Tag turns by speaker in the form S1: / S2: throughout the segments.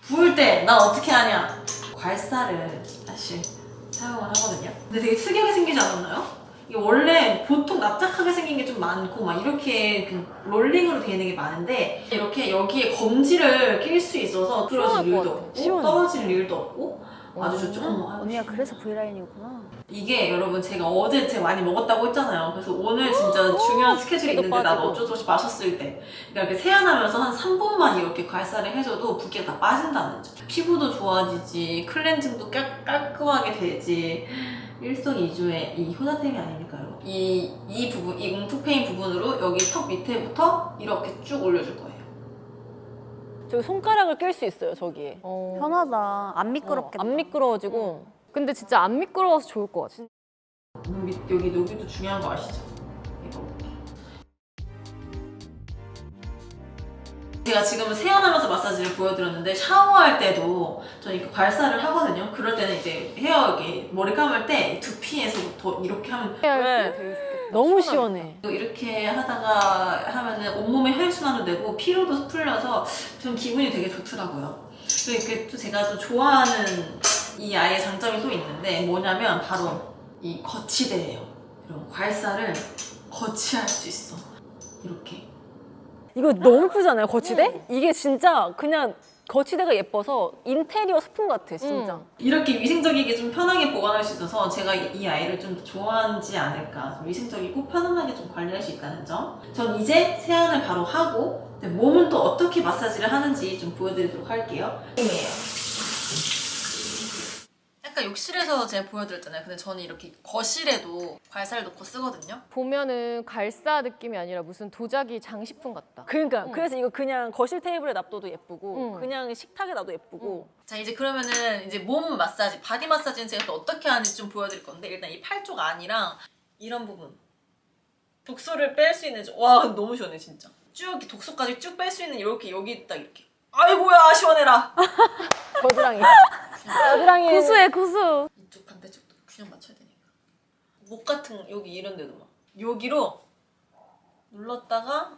S1: 부을 때 난 어떻게 하냐? 괄사를 사실 사용을 하거든요. 근데 되게 특이하게 생기지 않았나요? 이게 원래 보통 납작하게 생긴 게 좀 많고 막 이렇게 그 롤링으로 되어 있는 게 많은데 이렇게 여기에 검지를 낄 수 있어서 틀어질 일도 없고 떨어질 일도 없고 아주 좋죠.
S2: 언니가 그래서 V라인이구나.
S1: 이게 여러분 제가 어제 제가 많이 먹었다고 했잖아요. 그래서 오늘 진짜 중요한 스케줄이 있는데 나도 어쩔 수 없이 마셨을 때 그러니까 이렇게 세안하면서 한 3분만 이렇게 괄사를 해줘도 붓기가 다 빠진다는 점. 피부도 좋아지지, 클렌징도 깔끔하게 되지. 일석이조의 이 효자템이 아닙니까요? 이 부분, 이 웅투페인 부분으로 여기 턱 밑에부터 이렇게 쭉 올려줄 거예요.
S3: 저기 손가락을 낄 수 있어요, 저기에.
S2: 편하다. 안 미끄럽겠다.
S3: 안 미끄러워지고. 근데 진짜 안 미끄러워서 좋을 것 같아.
S1: 여기 여기도 중요한 거 아시죠? 이거. 제가 지금은 세안하면서 마사지를 보여드렸는데 샤워할 때도 저는 이렇게 괄사를 하거든요. 그럴 때는 이제 헤어 여기 머리 감을 때 두피에서부터 이렇게 하면
S3: 너무 시원해.
S1: 이렇게 하다가 하면은 온몸에 혈액순환도 되고 피로도 풀려서 좀 기분이 되게 좋더라고요. 그리고 이렇게 또 제가 또 좋아하는 이 아이의 장점이 또 있는데 뭐냐면 바로 이 거치대예요. 이런 괄사를 거치할 수 있어. 이렇게.
S3: 이거 너무 예쁘잖아요, 거치대? 이게 진짜 그냥 거치대가 예뻐서 인테리어 소품 같아, 진짜.
S1: 이렇게 위생적이게 좀 편하게 보관할 수 있어서 제가 이 아이를 좀 좋아하지 않을까. 좀 위생적이고 편안하게 좀 관리할 수 있다는 점. 전 이제 세안을 바로 하고 몸은 또 어떻게 마사지를 하는지 좀 보여드리도록 할게요. 약간 욕실에서 제가 보여드렸잖아요. 근데 저는 이렇게 거실에도 괄사를 놓고 쓰거든요.
S4: 보면은 괄사 느낌이 아니라 무슨 도자기 장식품 같다.
S3: 그러니까 그래서 이거 그냥 거실 테이블에 놔둬도 예쁘고
S4: 응.
S3: 그냥 식탁에 놔도 예쁘고
S1: 자 이제 그러면은 이제 몸 마사지, 바디 마사지는 제가 또 어떻게 하는지 좀 보여드릴 건데 일단 이 팔 쪽 안이랑 이런 부분 독소를 뺄 수 있는 와 너무 시원해 진짜. 쭉 이렇게 독소까지 쭉 뺄 수 있는 이렇게 여기 딱 이렇게 아이고야 시원해라.
S3: 겨드랑이 겨드랑이
S4: 고수해 고수.
S1: 이쪽 반대쪽도 균형 맞춰야 되니까 목 같은 여기 이런 데도 막 여기로 눌렀다가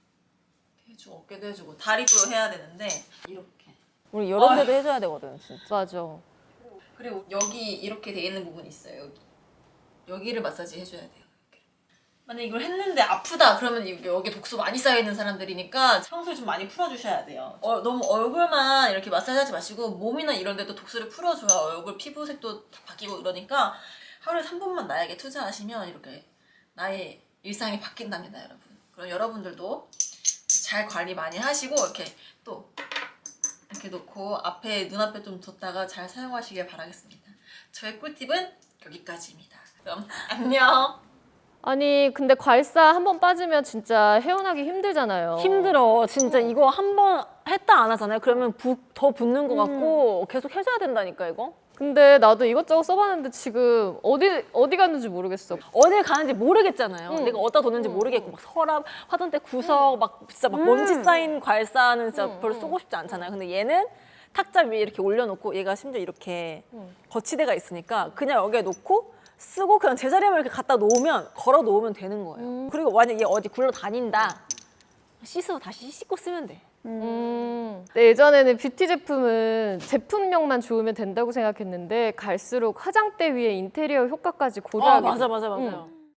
S1: 해주고 어깨도 해주고 다리도 해야 되는데 이렇게
S3: 우리 이런 데도 해줘야 되거든, 진짜.
S4: 맞아.
S1: 그리고 여기 이렇게 돼 있는 부분이 있어요. 여기를 마사지 해줘야 돼요. 이렇게. 만약에 이걸 했는데 아프다 그러면 여기 독소 많이 쌓여있는 사람들이니까 청소를 좀 많이 풀어주셔야 돼요. 너무 얼굴만 이렇게 마사지하지 마시고 몸이나 이런 데도 독소를 풀어줘야 얼굴 피부색도 다 바뀌고 이러니까 하루에 3분만 나에게 투자하시면 이렇게 나의 일상이 바뀐답니다, 여러분. 그럼 여러분들도 잘 관리 많이 하시고 이렇게 또 이렇게 놓고 앞에 눈앞에 좀 뒀다가 잘 사용하시길 바라겠습니다. 저의 꿀팁은 여기까지입니다. 그럼 안녕.
S4: 아니 근데 괄사 한 번 빠지면 진짜 헤어나기 힘들잖아요.
S3: 힘들어, 진짜. 이거 한 번 했다 안 하잖아요. 그러면 더 붓는 것 같고 계속 해줘야 된다니까, 이거.
S4: 근데 나도 이것저것 써봤는데 지금 어디 갔는지 모르겠어.
S3: 어딜 가는지 모르겠잖아요. 내가 어디다 뒀는지 모르겠고 막 서랍, 화장대 구석 막 진짜 막 먼지 쌓인 괄사는 진짜 별로 쓰고 싶지 않잖아요. 근데 얘는 탁자 위에 이렇게 올려놓고 얘가 심지어 이렇게 거치대가 있으니까 그냥 여기에 놓고 쓰고 그냥 제자리에만 이렇게 갖다 놓으면 걸어 놓으면 되는 거예요. 그리고 만약 얘 어디 굴러 다닌다 씻어서 다시 씻고 쓰면 돼.
S4: 근데 예전에는 뷰티 제품은 제품력만 좋으면 된다고 생각했는데 갈수록 화장대 위에 인테리어 효과까지 고려하게
S3: 맞아
S4: 돼.
S3: 맞아 맞아요.